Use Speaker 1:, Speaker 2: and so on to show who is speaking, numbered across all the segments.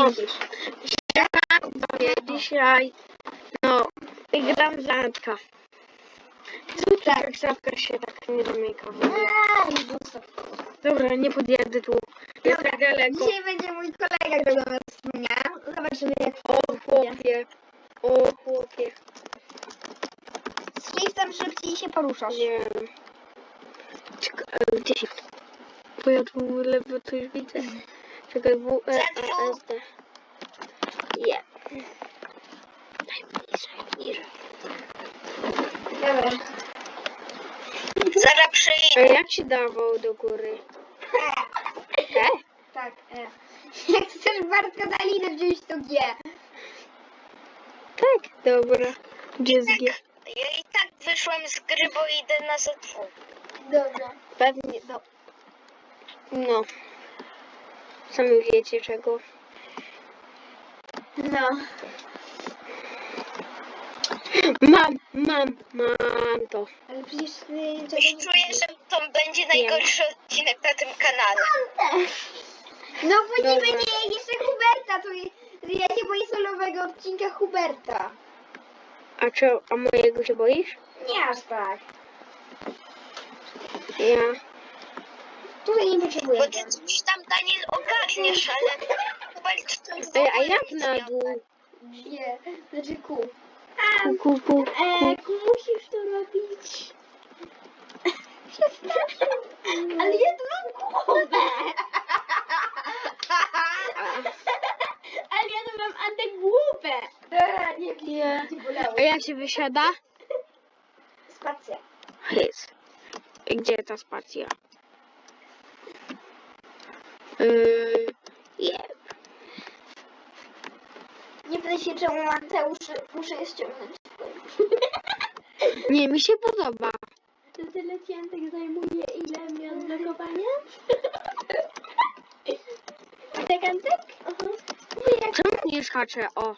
Speaker 1: No.
Speaker 2: widzisz.
Speaker 1: Dzisiaj, no, gram z Antka. Tak, szafka się tak nie domyka. Dobra, nie podjadę tu. Jest
Speaker 2: Dobra,
Speaker 1: tak daleko.
Speaker 2: dzisiaj będzie mój kolega, którego nas wspomniałam. Zobaczymy jak
Speaker 1: O chłopie, o chłopie.
Speaker 2: z shiftem szybciej się poruszasz.
Speaker 1: Nie wiem. Gdzie się... Bo ja tu lewo coś widzę. Czekaj, W, E, A, S, D. Je. Daj niżej.
Speaker 2: Dobra.
Speaker 3: Zaraz
Speaker 1: A
Speaker 3: przyjdę.
Speaker 1: jak się dawało do góry? E?
Speaker 2: Tak, Jak chcesz Bartka Dalinę wziąć, to G.
Speaker 1: Tak, dobra. Gdzie jest G?
Speaker 3: Ja i tak wyszłem z gry, bo idę na Z2.
Speaker 2: Dobra.
Speaker 1: Pewnie, no. Sami wiecie czego.
Speaker 2: No.
Speaker 1: Mam to.
Speaker 2: Ale przecież ty...
Speaker 3: Już czuję, że to będzie najgorszy odcinek na tym kanale.
Speaker 2: No bo nie
Speaker 1: Dobra.
Speaker 2: będzie jeszcze Huberta, to ja się boję solowego odcinka Huberta.
Speaker 1: A mojego się boisz?
Speaker 2: Nie aż tak.
Speaker 1: Ja.
Speaker 2: Tutaj nie potrzebuję.
Speaker 3: Bo ty coś tam, Daniel, ogarniesz, ale Hubert to w
Speaker 1: Ej, a
Speaker 3: ogóle
Speaker 1: jak
Speaker 3: nic
Speaker 1: na
Speaker 3: nie
Speaker 1: dół?
Speaker 2: Nie, znaczy Q.
Speaker 1: Ku.
Speaker 2: Q musisz to robić. Ale ja tu mam głowę. Ale ja tu mam antygłówę. Nie, nie bolało.
Speaker 1: A jak się wysiada?
Speaker 2: Spacja.
Speaker 1: Jest. Gdzie ta spacja? Jeb.
Speaker 2: Nie pytaj się, czemu Mateusz muszę je ściągnąć.
Speaker 1: Nie, mi się podoba.
Speaker 2: To tyle ciętek zajmuje, ile mi odblokowania? Tak, Antek?
Speaker 1: Czemu nie skaczę? O.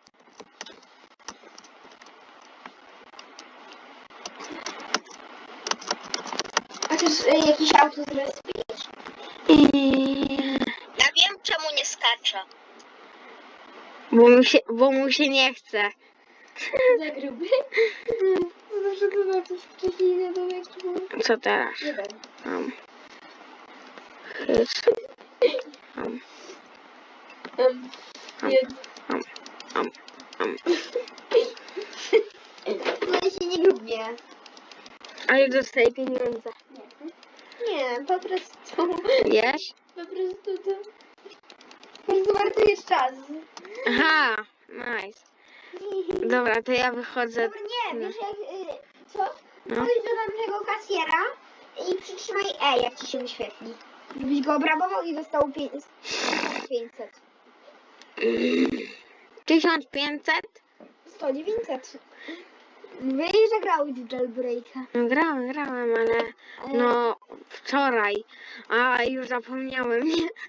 Speaker 2: A chcesz jakiś auto zrespić?
Speaker 3: Ja wiem, czemu nie skacze.
Speaker 1: Bo mu się nie chce.
Speaker 2: Za gruby? Zawsze to na coś wcześniej nie wiem, jak to było.
Speaker 1: Co teraz?
Speaker 2: Nie wiem.
Speaker 1: Hys.
Speaker 2: No się nie lubię.
Speaker 1: Ale dostaję pieniądze.
Speaker 2: Nie, po prostu.
Speaker 1: Wiesz?
Speaker 2: Po prostu to... Po prostu marnujesz czas.
Speaker 1: Aha, nice. Dobra, to ja wychodzę.
Speaker 2: Dobra, nie, wiesz jak... co?
Speaker 1: No.
Speaker 2: Pójdź do tamtego kasjera i przytrzymaj E, jak ci się wyświetli. Gdybyś go obrabował i dostał 500.
Speaker 1: 1500?
Speaker 2: 100, 900. Wiesz, że grałeś w Jailbreaka.
Speaker 1: No, grałem, ale no wczoraj. A już zapomniałem.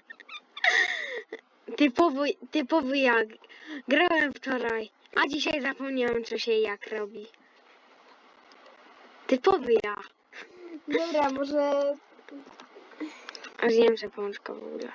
Speaker 1: Typowy jak. Grałem wczoraj, a dzisiaj zapomniałem co się jak robi. Typowy ja.
Speaker 2: Dobra, może...
Speaker 1: A zjem sobie pączka w ogóle.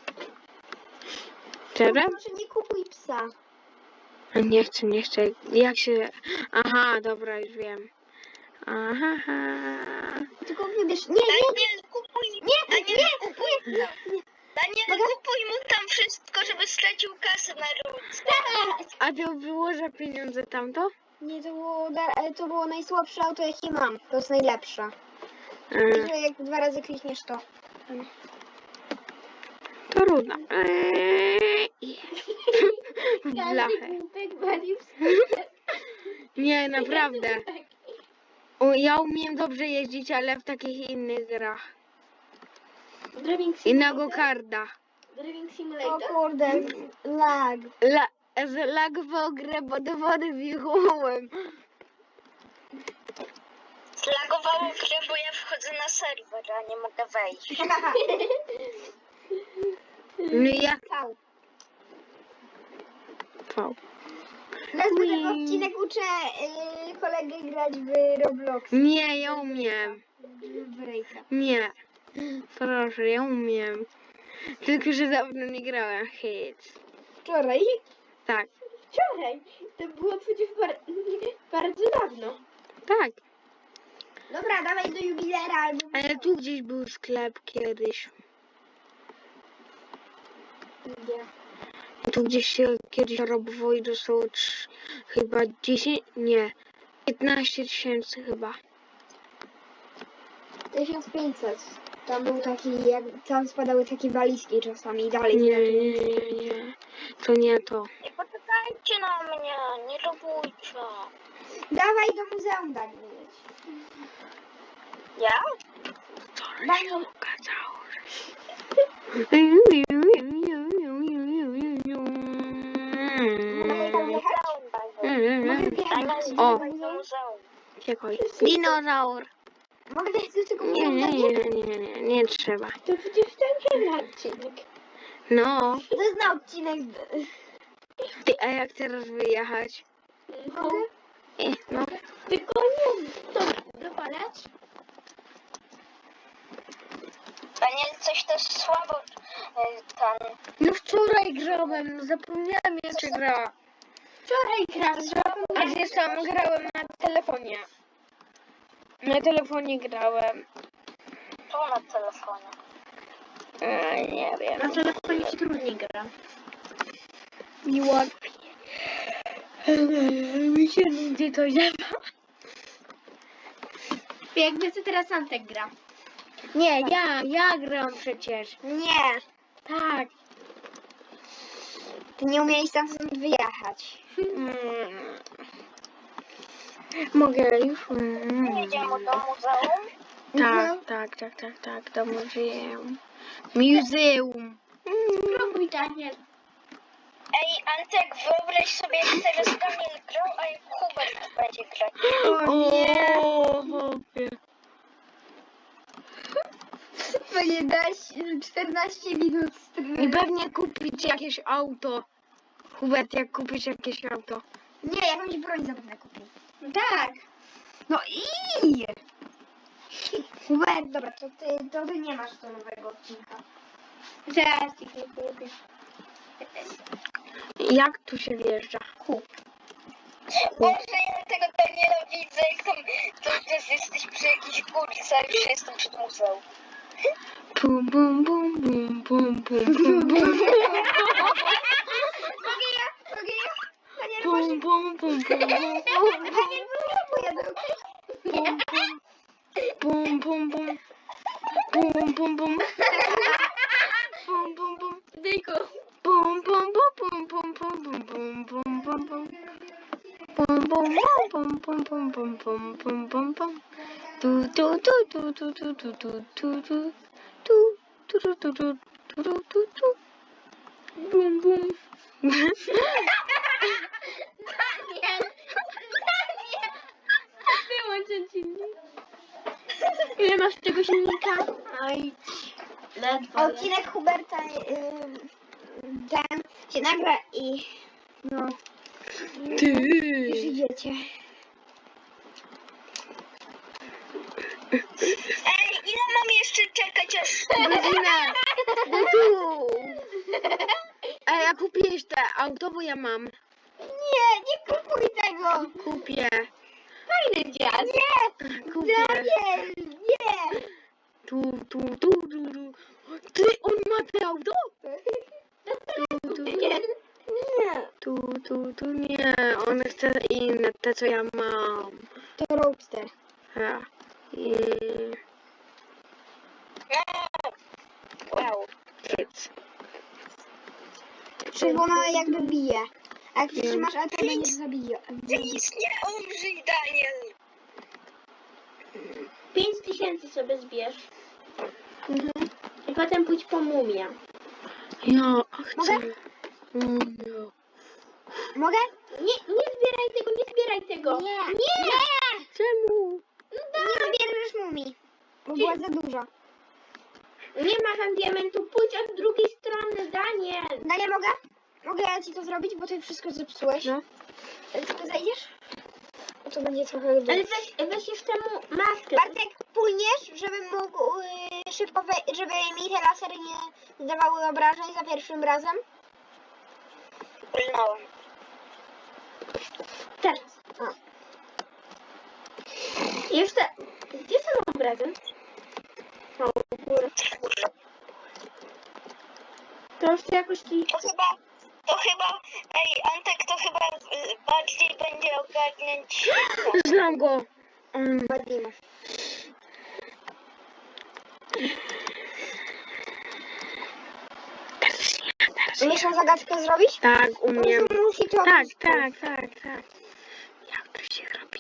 Speaker 1: Czego?
Speaker 2: Może nie kupuj psa.
Speaker 1: Nie chcę. Jak się... Aha, dobra, już wiem. Aha.
Speaker 2: Tylko wybierz... Nie,
Speaker 3: Daniel, kupuj
Speaker 2: nie,
Speaker 3: Daniel, kupuj mu tam wszystko, żeby stracił kasę na ruce.
Speaker 1: A to wyłożę pieniądze tamto?
Speaker 2: Nie, to było najsłabsze auto, jakie mam. To jest najlepsze. Że jak 2 razy klikniesz to.
Speaker 1: Trudno. W blachę. Nie, naprawdę. Ja umiem dobrze jeździć, ale w takich innych grach. I na go-karda.
Speaker 2: Driving Simulator? O kurde, lag.
Speaker 1: Zlagował grę, bo do wody wjechałem.
Speaker 3: Zlagowało grę, bo ja wchodzę na serwer, a nie mogę wejść.
Speaker 1: No i jak?
Speaker 2: Wow.
Speaker 1: V.
Speaker 2: Następny odcinek uczę kolegę grać w Roblox.
Speaker 1: Nie, ja umiem.
Speaker 2: Breaka.
Speaker 1: Nie. Proszę, ja umiem. Tylko, że dawno nie grałem. Hit.
Speaker 2: Wczoraj?
Speaker 1: Tak,
Speaker 2: Wczoraj? To było przecież bardzo dawno.
Speaker 1: tak.
Speaker 2: Dobra, dawaj do jubilera albo...
Speaker 1: Ale tu gdzieś był sklep kiedyś.
Speaker 2: Gdzie?
Speaker 1: Tu gdzieś się kiedyś robiło i dostało chyba 10, nie, 15 tysięcy chyba.
Speaker 2: 1500. Tam był taki, jak tam spadały takie walizki czasami i dalej.
Speaker 1: Nie. To nie to.
Speaker 3: I poczekajcie na mnie, nie lubujcie.
Speaker 2: Dawaj do muzeum daj mieć.
Speaker 3: Ja?
Speaker 1: Wczoraj się okazało,
Speaker 2: Mogę wjechać
Speaker 1: O.
Speaker 2: do muzeum?
Speaker 1: Czekaj. Dinozaur.
Speaker 2: Mogę wjechać do tego
Speaker 1: Nie,
Speaker 2: muzeum?
Speaker 1: nie trzeba.
Speaker 2: To przecież ten odcinek.
Speaker 1: No.
Speaker 2: To jest na odcinek.
Speaker 1: Ty, a jak teraz wyjechać?
Speaker 2: Mogę?
Speaker 1: No.
Speaker 2: Tylko nie to dopalać?
Speaker 3: Daniel, coś też słabo ten...
Speaker 1: No wczoraj grałem, zapomniałem jeszcze gra.
Speaker 2: Wczoraj grałem.
Speaker 1: A gdzie sam grałem na telefonie. Na telefonie grałem.
Speaker 3: Tu na telefonie.
Speaker 1: Nie wiem.
Speaker 2: Na telefonie się trudniej gra.
Speaker 1: Mi łatwiej. Mi się nigdy to nie ma.
Speaker 2: Jakby co teraz Antek gra.
Speaker 1: Nie, ja gram przecież.
Speaker 2: Nie.
Speaker 1: Tak.
Speaker 2: Ty nie umiałeś tam stąd wyjechać.
Speaker 1: Mogę już?
Speaker 3: Jedziemy do muzeum.
Speaker 1: Tak, do muzeum. Muzeum.
Speaker 2: Spróbuj, Daniel.
Speaker 3: Ej, Antek, wyobraź sobie, jak teraz Daniel grał, a jak Hubert będzie grać.
Speaker 1: O nie.
Speaker 2: To nie dać 14 minut
Speaker 1: I pewnie kupić jakieś auto. Hubert, jak kupisz jakieś auto.
Speaker 2: Nie, jakąś broń zapewne kupi. Tak. No i... Hubert, dobra, to ty nie masz do nowego odcinka. Zaraz ci kupię.
Speaker 1: Jak tu się wjeżdża?
Speaker 3: Boże, ja tego Daniela widzę, jak tam jesteś przy jakiejś górce, a już jestem przed muzeum.
Speaker 1: Bum, bum, bum, bum, bum, bum, bum, bum.
Speaker 2: Mogę ja? Daniel,
Speaker 1: Bum, bum, bum, bum, bum,
Speaker 2: Daniel, pojadę, okej?
Speaker 1: bum, bum, bum. Bum, bum, bum. Bum, bum, bum.
Speaker 2: Dyku.
Speaker 1: Bum, bum, bum, bum, bum, bum, bum, bum, bum, bum. Bum, bum, bum, bum, bum, bum, bum, bum, bum, bum. Tu, tu, tu, tu, tu, tu, tu, tu, tu, tu. Tu, tu, tu, tu, tu, tu, tu, tu. Bum, bum.
Speaker 2: Daniel. Wyłączę silnik. Ile masz tego silnika? Oj, ledwo. Odcinek Huberta ten się nagra i no już
Speaker 1: Ty.
Speaker 2: idziecie.
Speaker 3: Ej, ile mam jeszcze czekać, aż...
Speaker 1: Godzinę. No tu. A ja kupiłeś te auto, bo ja mam.
Speaker 2: Nie kupuj tego!
Speaker 1: Kupię.
Speaker 2: Fajny dziad. Nie!
Speaker 1: Kupię.
Speaker 2: Daniel, nie!
Speaker 1: Tu. Ty, on ma te auto? Tu.
Speaker 2: Nie.
Speaker 1: Tu, nie. On chce inne, te co ja mam.
Speaker 2: To Roadster.
Speaker 1: Ja. I...
Speaker 3: Wow.
Speaker 1: Kids.
Speaker 2: Czerwona jakby bije. A jak trzymasz A, to będzie zabija.
Speaker 3: Nic nie umrzyj, Daniel.
Speaker 2: 5000 sobie zbierz. I potem pójdź po mumię.
Speaker 1: Ja chcę.
Speaker 2: Mogę?
Speaker 1: Nie.
Speaker 2: Mogę? Nie zbieraj tego. Nie!
Speaker 1: Czemu?
Speaker 2: Nie zbierzesz mumii. Bo była za dużo. Nie ma tam diamentu, pójdź od drugiej strony, Daniel. Daniel, mogę? Mogę ja ci to zrobić, bo ty wszystko zepsułeś.
Speaker 1: No.
Speaker 2: Ty zejdziesz? To będzie trochę... Ale weź jeszcze mu maskę. Bartek, płyniesz, żebym mógł szybko, żeby mi te lasery nie zdawały obrażeń za pierwszym razem?
Speaker 3: Walnąłem.
Speaker 2: Teraz. O. I jeszcze... Gdzie są obrazy? O, w górę. To już jakoś ci...
Speaker 3: Ej, Antek, to chyba bardziej będzie ogarniać.
Speaker 1: Znam go.
Speaker 2: Ładnie. Umiesz tą zagadkę zrobić?
Speaker 1: Tak, umiem.
Speaker 2: Musi to
Speaker 1: Tak,
Speaker 2: być.
Speaker 1: tak, tak, tak. Jak to się robi?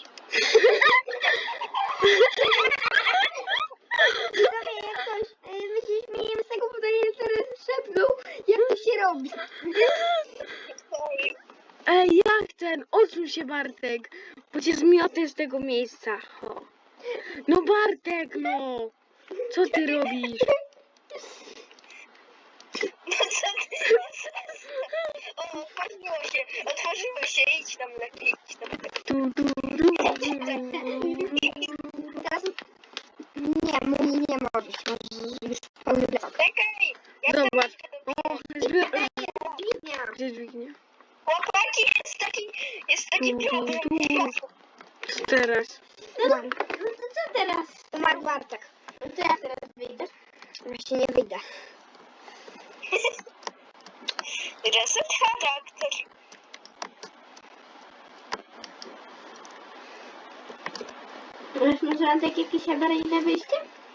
Speaker 2: Trochę jak ktoś, my się śmiejemy z tego pytania, teraz szepnął, jak to się robi.
Speaker 1: Ej, jak ten? Odsuń się, Bartek. Bo cię zmiotę z tego miejsca. O. No Bartek, no. Co ty robisz?
Speaker 3: No co ty? O, otworzyło się, idź tam lepiej, idź tam lepiej.
Speaker 2: Teraz nie, mówi nie możesz, już pełny blok.
Speaker 3: Czekaj, ja
Speaker 1: Zobacz.
Speaker 3: tam
Speaker 1: O,
Speaker 2: Dźwignia.
Speaker 1: gdzie dźwignia?
Speaker 3: Chłopaki, jest taki problem.
Speaker 1: Teraz.
Speaker 2: No to co teraz? Umarł Bartek. No to ja teraz wyjdę. Właśnie nie wyjdę.
Speaker 3: Reset charakter.
Speaker 2: Masz może na takie jakieś awaryjne wyjście?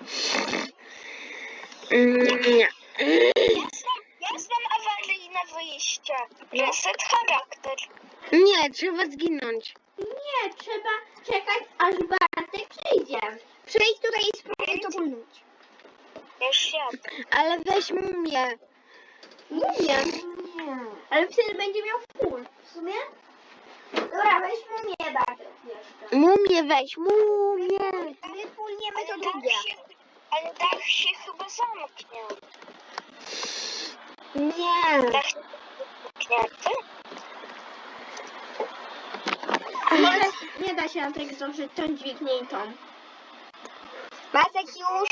Speaker 1: Nie.
Speaker 3: Ja znam awaryjne wyjście. Reset charakter.
Speaker 1: Nie, trzeba zginąć.
Speaker 2: Nie, trzeba czekać, aż Bartek przyjdzie. Przyjdź tutaj i spróbuj to pulnąć.
Speaker 3: Już jadę.
Speaker 1: Ale weź mumię.
Speaker 2: Nie. Ale wtedy będzie miał full. W sumie? Dobra, weź mumię, Bartek jeszcze.
Speaker 1: Mumię weź, mumię.
Speaker 2: My pulniemy to
Speaker 3: Ale
Speaker 2: drugie.
Speaker 3: ale dach się chyba zamknie.
Speaker 2: Nie.
Speaker 3: Dach się zamknięty?
Speaker 2: Ale nie da się na tak zdążyć tą dźwignię i tą. Bartek już.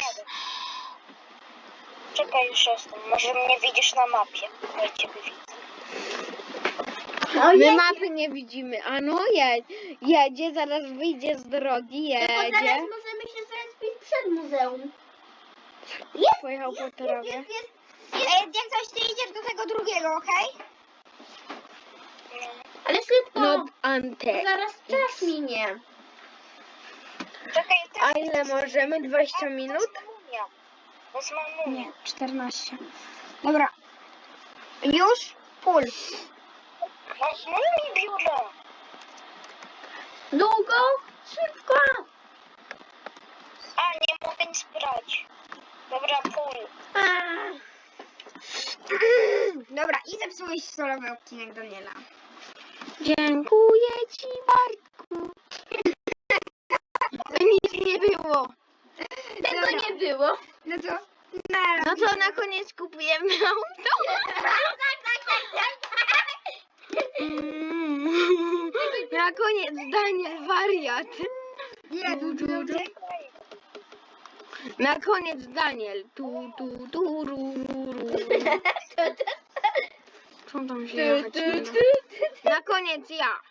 Speaker 3: Czekaj, już jestem. Może mnie widzisz na mapie. Ja ciebie widzę.
Speaker 1: My mapy nie widzimy. A no jedzie, zaraz wyjdzie z drogi,
Speaker 2: Tylko teraz
Speaker 1: jedzie.
Speaker 2: możemy się zrespić przed muzeum.
Speaker 1: Pojechał po torowie.
Speaker 2: Jak coś, ty idziesz do tego drugiego, okej?
Speaker 3: No.
Speaker 2: Ale szybko.
Speaker 1: No, Antek.
Speaker 2: Zaraz czas minie.
Speaker 3: Czekaj,
Speaker 1: A ile możemy? 20 minut?
Speaker 3: Wezmę mumię.
Speaker 2: 14. Dobra. Już? Full.
Speaker 3: No, mumię biurę.
Speaker 2: Długo? Szybko.
Speaker 3: A, nie mogę nic brać. Dobra, pół.
Speaker 2: Dobra, i zepsułeś solowy odcinek Daniela.
Speaker 1: Dziękuję ci, Bartku. Nic nie było.
Speaker 2: Tego nie było. No to...
Speaker 1: No to na koniec kupujemy auto. Na koniec Daniel wariat.
Speaker 2: Nie,
Speaker 1: Na koniec Daniel. Co tam się jechać nie da? Na koniec ja.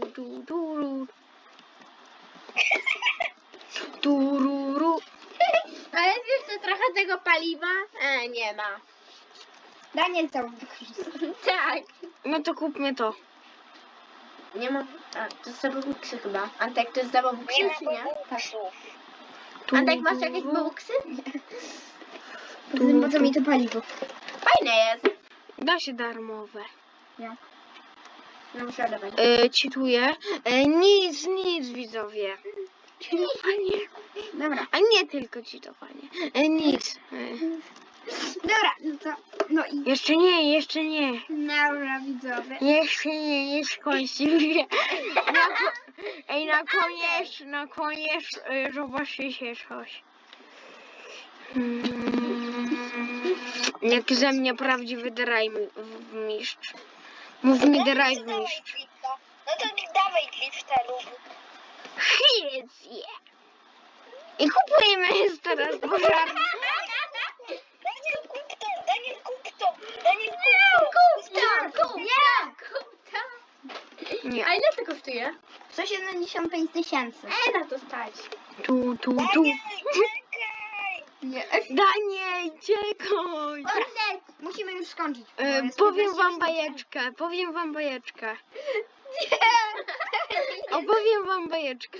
Speaker 1: Tururu.
Speaker 2: Ale jest jeszcze trochę tego paliwa? Nie ma. Daniel cały Tak.
Speaker 1: No to kupmy to.
Speaker 2: Nie ma... A, to jest zababuksy chyba. Antek, to jest zababuksy,
Speaker 3: Nie
Speaker 2: czy
Speaker 3: ma
Speaker 2: nie? Tak.
Speaker 3: słów.
Speaker 2: Antek, masz jakieś babuksy? Nie. Po co mi to paliwo? Fajne jest.
Speaker 1: Da się darmowe.
Speaker 2: Jak? No muszę oddawać.
Speaker 1: Czytuję. Nic widzowie. Czytowanie.
Speaker 2: Dobra.
Speaker 1: A nie tylko czytowanie. Nic.
Speaker 2: Dobra, no to... No i...
Speaker 1: Jeszcze nie.
Speaker 2: Dobra, widzowie.
Speaker 1: Jeszcze nie kończymy. Ej, na koniec zobaczycie coś. Jak ze mnie prawdziwy drive mistrz. Mów mi drive
Speaker 3: Dawaj
Speaker 1: mistrz.
Speaker 3: drifta. No to dawaj drifta rób.
Speaker 1: Hit, I kupujemy jest teraz pożarny.
Speaker 3: Daniel, kup to! Daniel, kup to!
Speaker 2: Kup to! Kup! Nie! Kup
Speaker 1: Nie.
Speaker 2: A ile to kosztuje?
Speaker 1: 175 000.
Speaker 2: Na to stać.
Speaker 1: Tu.
Speaker 3: Daniel, czekaj!
Speaker 2: Nie.
Speaker 1: Daniel, czekaj.
Speaker 2: Musimy już skończyć.
Speaker 1: Powiem wam bajeczkę. Opowiem wam bajeczkę.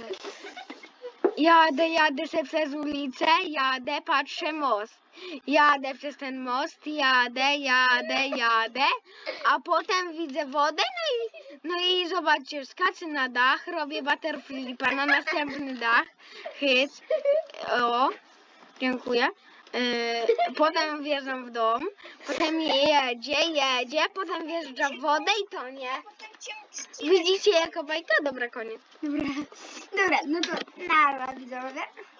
Speaker 1: Jadę se przez ulicę, patrzę most. Jadę przez ten most, jadę, a potem widzę wodę, no i zobaczcie, skaczę na dach, robię butterflipa na następny dach, hyc, o, dziękuję. Potem wjeżdżam w dom, potem jedzie, potem wjeżdża w wodę i tonie.
Speaker 3: Potem cię odcinek.
Speaker 1: Widzicie jako bajka? Dobra, koniec.
Speaker 2: Dobra, no to nara widzowie.